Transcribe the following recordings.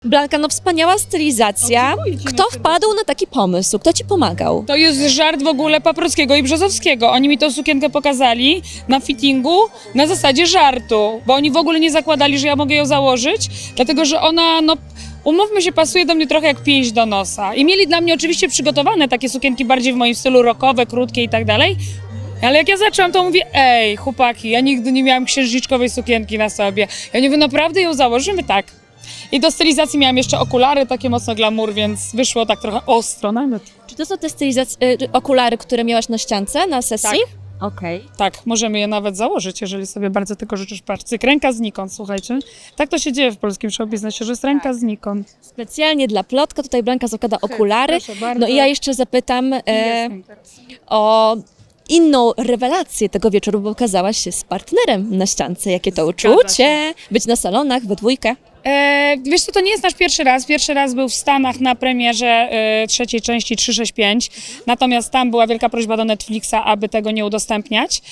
Blanka, no wspaniała stylizacja. Kto wpadł na taki pomysł? Kto ci pomagał? To jest żart w ogóle Paprockiego i Brzozowskiego. Oni mi tą sukienkę pokazali na fittingu na zasadzie żartu, bo oni w ogóle nie zakładali, że ja mogę ją założyć, dlatego że ona, no umówmy się, pasuje do mnie trochę jak pięść do nosa. I mieli dla mnie oczywiście przygotowane takie sukienki bardziej w moim stylu rockowe, krótkie i tak dalej. Ale jak ja zaczęłam, to mówię, ej, chłopaki, ja nigdy nie miałam księżniczkowej sukienki na sobie. Ja nie mówię, naprawdę ją założymy? Tak. I do stylizacji miałam jeszcze okulary, takie mocno glamour, więc wyszło tak trochę ostro nawet. Czy to są te okulary, które miałaś na ściance, na sesji? Tak. Okej. Tak, możemy je nawet założyć, jeżeli sobie bardzo tego życzysz. Patrz, cyk, ręka znikąd, słuchajcie. Tak to się dzieje w polskim showbiznesie, że jest ręka znikąd. Specjalnie dla Plotka tutaj Blanka zakłada okulary. Proszę bardzo. No i ja jeszcze zapytam Jestem teraz. o inną rewelację tego wieczoru, bo okazałaś się z partnerem na ściance. Jakie to Zgadza uczucie? Być na salonach we dwójkę. Wiesz co, to nie jest nasz pierwszy raz. Pierwszy raz był w Stanach na premierze trzeciej części 365. Natomiast tam była wielka prośba do Netflixa, aby tego nie udostępniać.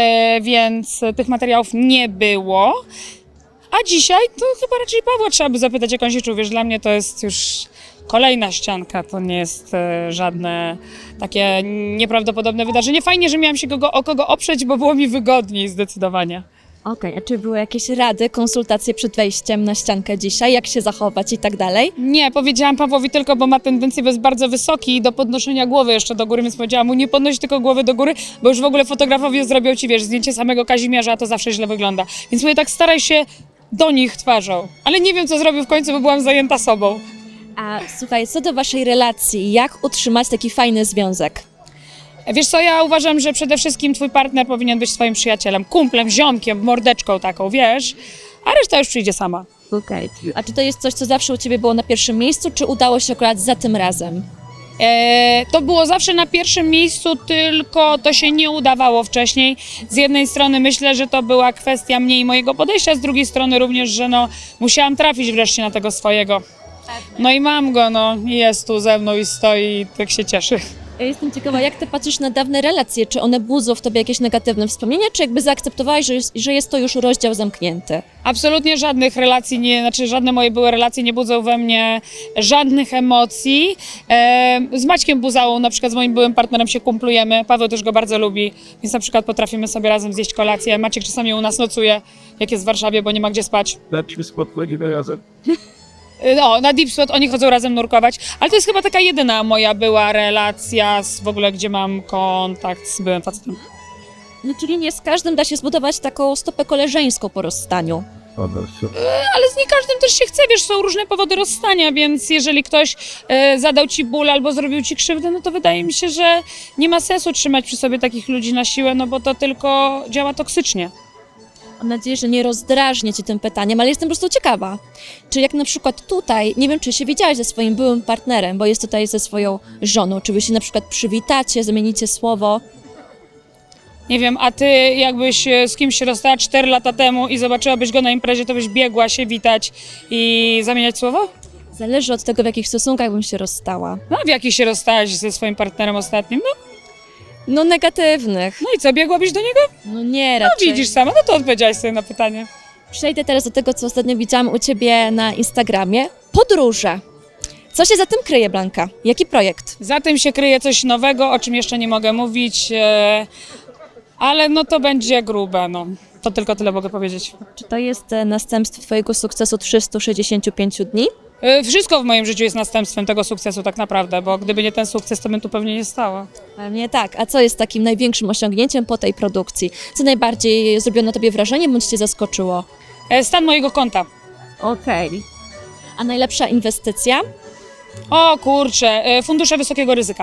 Więc tych materiałów nie było. A dzisiaj to chyba raczej Pawła trzeba by zapytać, jak on się czuł. Wiesz, dla mnie to jest już kolejna ścianka. To nie jest żadne takie nieprawdopodobne wydarzenie. Fajnie, że miałam się o kogo oprzeć, bo było mi wygodniej zdecydowanie. Okej, a czy były jakieś rady, konsultacje przed wejściem na ściankę dzisiaj? Jak się zachować i tak dalej? Nie, powiedziałam Pawłowi tylko, bo ma tendencję, bo jest bardzo wysoki do podnoszenia głowy jeszcze do góry, więc powiedziałam mu, nie podnoś tylko głowy do góry, bo już w ogóle fotografowie zrobią ci, wiesz, zdjęcie samego Kazimierza, a to zawsze źle wygląda. Więc mówię, tak staraj się do nich twarzą. Ale nie wiem, co zrobił w końcu, bo byłam zajęta sobą. A słuchaj, co do waszej relacji, jak utrzymać taki fajny związek? Wiesz co, ja uważam, że przede wszystkim twój partner powinien być twoim przyjacielem, kumplem, ziomkiem, mordeczką taką, wiesz, a reszta już przyjdzie sama. Okej. A czy to jest coś, co zawsze u ciebie było na pierwszym miejscu, czy udało się akurat za tym razem? To było zawsze na pierwszym miejscu, tylko to się nie udawało wcześniej. Z jednej strony myślę, że to była kwestia mnie i mojego podejścia, z drugiej strony również, że no, musiałam trafić wreszcie na tego swojego. No i mam go, no, i jest tu ze mną i stoi i tak się cieszy. Ja jestem ciekawa, jak ty patrzysz na dawne relacje? Czy one budzą w tobie jakieś negatywne wspomnienia, czy jakby zaakceptowałaś, że jest to już rozdział zamknięty? Absolutnie żadnych relacji, żadne moje były relacje nie budzą we mnie żadnych emocji. Z Maćkiem Buzałą, na przykład z moim byłym partnerem się kumplujemy, Paweł też go bardzo lubi, więc na przykład potrafimy sobie razem zjeść kolację. Maciek czasami u nas nocuje, jak jest w Warszawie, bo nie ma gdzie spać. Lepszy spotkanie razem. No, na Deep Spot oni chodzą razem nurkować, ale to jest chyba taka jedyna moja była relacja w ogóle, gdzie mam kontakt z byłym facetem. No, czyli nie z każdym da się zbudować taką stopę koleżeńską po rozstaniu. Ale z nie każdym też się chce, wiesz, są różne powody rozstania, więc jeżeli ktoś zadał ci ból albo zrobił ci krzywdę, no to wydaje mi się, że nie ma sensu trzymać przy sobie takich ludzi na siłę, no bo to tylko działa toksycznie. Mam nadzieję, że nie rozdrażnię cię tym pytaniem, ale jestem po prostu ciekawa. Czy jak na przykład tutaj, nie wiem, czy się widziałaś ze swoim byłym partnerem, bo jest tutaj ze swoją żoną, czy wy się na przykład przywitacie, zamienicie słowo? Nie wiem, a ty jakbyś z kimś się rozstała 4 lata temu i zobaczyłabyś go na imprezie, to byś biegła się witać i zamieniać słowo? Zależy od tego, w jakich stosunkach bym się rozstała. No, w jakich się rozstałaś ze swoim partnerem ostatnim? No negatywnych. No i co, biegłabyś do niego? No nie, No raczej. widzisz sama, no to odpowiedziałaś sobie na pytanie. Przejdę teraz do tego, co ostatnio widziałam u ciebie na Instagramie. Podróże. Co się za tym kryje, Blanka? Jaki projekt? Za tym się kryje coś nowego, o czym jeszcze nie mogę mówić, ale no to będzie grube, no. To tylko tyle mogę powiedzieć. Czy to jest następstwo twojego sukcesu 365 dni? Wszystko w moim życiu jest następstwem tego sukcesu tak naprawdę, bo gdyby nie ten sukces, to bym tu pewnie nie stała. Pewnie tak. A co jest takim największym osiągnięciem po tej produkcji? Co najbardziej zrobiło na tobie wrażenie, bądź cię zaskoczyło? Stan mojego konta. Okej. A najlepsza inwestycja? O kurczę, fundusze wysokiego ryzyka.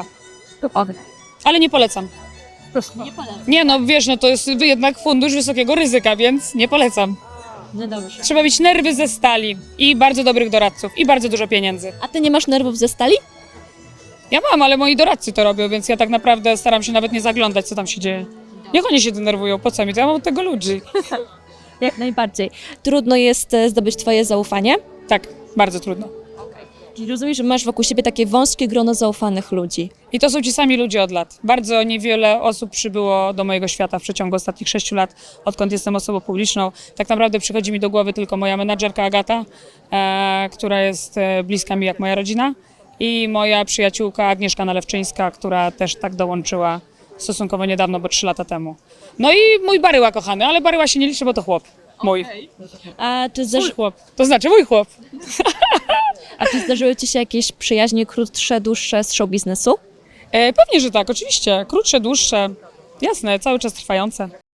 Ale nie polecam. Nie polecam. Nie no, wiesz, no to jest jednak fundusz wysokiego ryzyka, więc nie polecam. No dobrze. Trzeba mieć nerwy ze stali i bardzo dobrych doradców i bardzo dużo pieniędzy. A ty nie masz nerwów ze stali? Ja mam, ale moi doradcy to robią, więc ja tak naprawdę staram się nawet nie zaglądać, co tam się dzieje. Niech oni się denerwują, po co mi to? Ja mam od tego ludzi. Jak najbardziej. Trudno jest zdobyć twoje zaufanie? Tak, bardzo trudno. Czyli rozumiem, że masz wokół siebie takie wąskie grono zaufanych ludzi. I to są ci sami ludzie od lat. Bardzo niewiele osób przybyło do mojego świata w przeciągu ostatnich 6 lat, odkąd jestem osobą publiczną. Tak naprawdę przychodzi mi do głowy tylko moja menadżerka Agata, która jest bliska mi jak moja rodzina, i moja przyjaciółka Agnieszka Nalewczyńska, która też tak dołączyła stosunkowo niedawno, bo 3 lata temu. No i mój Baryła kochany, ale Baryła się nie liczy, bo to chłop. Mój. A czy, Mój chłop. To znaczy mój chłop. czy zdarzyły ci się jakieś przyjaźnie krótsze, dłuższe z show biznesu? Pewnie, że tak, oczywiście. Krótsze, dłuższe. Jasne, cały czas trwające.